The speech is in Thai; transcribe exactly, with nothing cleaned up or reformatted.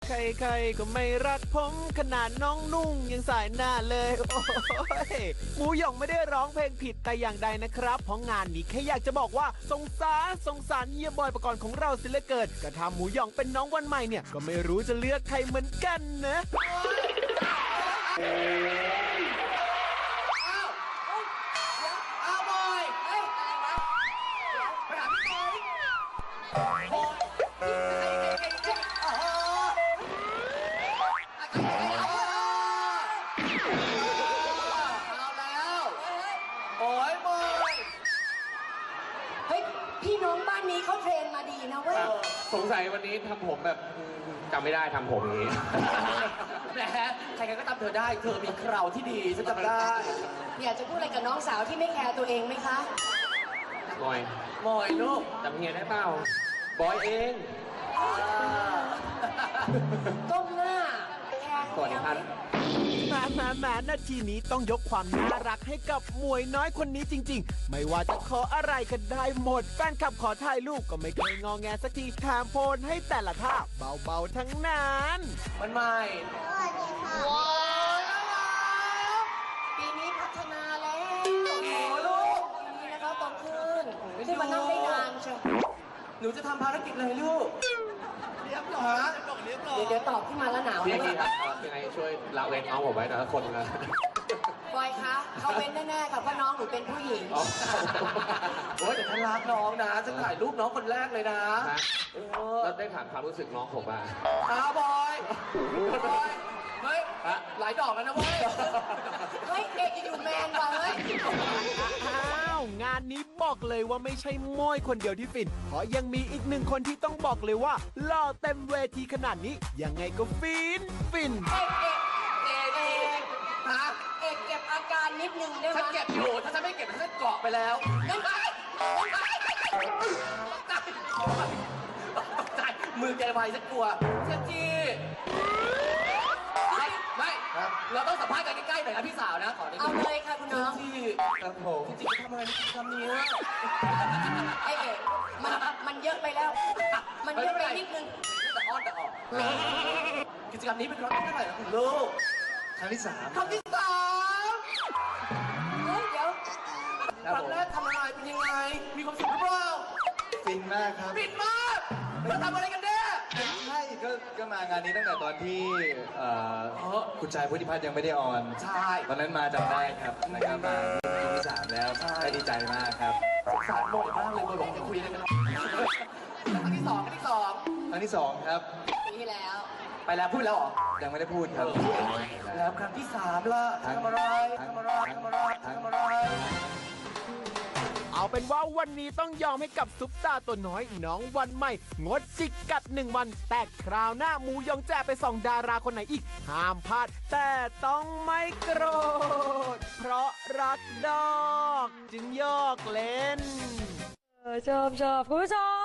ใครๆก็ไม่รักผมขนาดน้องนุ่งยังสายหน้าเลยโอ้ยหมูหยองไม่ได้ร้องเพลงผิดแต่อย่างใดนะครับเพราะงานนี้แค่อยากจะบอกว่าสงสารสงสารเฮียบอยปกรณ์ของเราสิเหลือเกินก็ทำหมูหยองเป็นน้องวันใหม่เนี่ยก็ไม่รู้จะเลือกใครเหมือนกันนะอ้าวบอยเฮ้ยอะไรวะไปหาพี่บอยบอยโอ้โหเอาแล้วโอ้ยบอยเฮ้ยพี่น้องบ้านนี้เขาเทรนมาดีนะเว้ยสงสัยวันนี้ทำผมแบบจำไม่ได้ทำผมอย่างนี้แหมใครๆก็ทำเธอได้เธอมีเคราที่ดีฉันจำได้อยากจะพูดอะไรกับน้องสาวที่ไม่แคร์ตัวเองไหมคะบอยบอยลูกจำเฮียได้เปล่าบอยเองก้มหน้าสวัสดีครับแหมแหมแหมนาทีนี้ต้องยกความน่ารักให้กับหมวยน้อยคนนี้จริงๆไม่ว่าจะขออะไรก็ได้หมดแฟนคลับขอถ่ายรูปก็ไม่เคยงอแงสักทีแถมโพนให้แต่ละท่าเบาๆทั้งนั้นมันใหม่สวัสดีค่ะว้าวปีนี้พัฒนาแล้วโอ้โหลูกปีนี้นะคะโตขึ้นได้มานั่งได้นานเชียวหนูจะทำภารกิจอะไรลูกเรียบร้อยเรียบร้อยเดี๋ยวเดี๋ยวตอบขึ้นมาแล้วหนาวพี่ครับยังไงช่วยละเว้นน้องผมไว้แต่ละคนนะบอยคะเขาเป็นแน่ๆค่ะเพราะน้องหนูเป็นผู้หญิงโอ้ยแต่ฉันรักน้องนะฉันถ่ายรูปน้องคนแรกเลยนะแล้วได้ถามความรู้สึกน้องผมป่ะอ้าวบอยบอยเฮ้ยหลายดอกแล้วนะเว้ยเฮ้ยเอกอยู่แมนว่ะเฮ้ยอ้าวงานนี้บอกเลยว่าไม่ใช่ม้อยคนเดียวที่ฟินเพราะยังมีอีกหนึ่งคนที่ต้องบอกเลยว่าหล่อเต็มเวทีขนาดนี้ยังไงก็ฟินฟินเอกเอกเอกเอกฮะเอกเก็บอาการนิดนึงได้ไหมฉันเก็บอยู่ถ้าฉันไม่เก็บฉันเกาะไปแล้วงั้นไปตกใจมือแกไวฉันกลัวเชฟจีไม่ไม่เราต้องสัมภาษณ์กันใกล้ๆหน่อยนะพี่สาวนะขอเอาเลยค่ะคุณน้องที่ครับผมจริงๆทำอะไรในกิจกรรมนี้ไอเอกมันมันเยอะไปแล้วมันเยอะไปนิดนึงแต่อ้อนแต่ออกกิจกรรมนี้เป็นครั้งที่เท่าไหร่นะคุณลูกครั้งที่สามครั้งที่สามเฮ้ยเดี๋ยวครั้งแรกทำอะไรเป็นยังไงมีความสุขหรือเปล่าฟินมากครับฟินมากเราทำอะไรกันแน่ใช่ก็ก็มางานนี้ตั้งแต่ตอนที่คุณชายพุทธิพัฒน์ยังไม่ได้ออนใช่ตอนนั้นมาจำได้ครับนะครับมาปีที่สามแล้วก็ดีใจมากครับสงสารโมดมากเลยโมดบอกจะคุยอะไรกันครั้งที่สองครั้งที่สองครั้งที่สองครับปีที่แล้วไปแล้วพูดแล้วหรอยังไม่ได้พูดครับแล้วครั้งที่สามล่ะทำอะไรทำอะไรทำอะไรทำอะไรเอาเป็นว่าวันนี้ต้องยอมให้กับซุปตาตัวน้อยน้องวันใหม่งดจิกกัดหนึ่งวันแต่คราวหน้าหมูยองแจะไปส่องดาราคนไหนอีกห้ามพลาดแต่ต้องไม่โกรธเพราะรักดอกจึงยอกเล่นชอบชอบคุณผู้ชม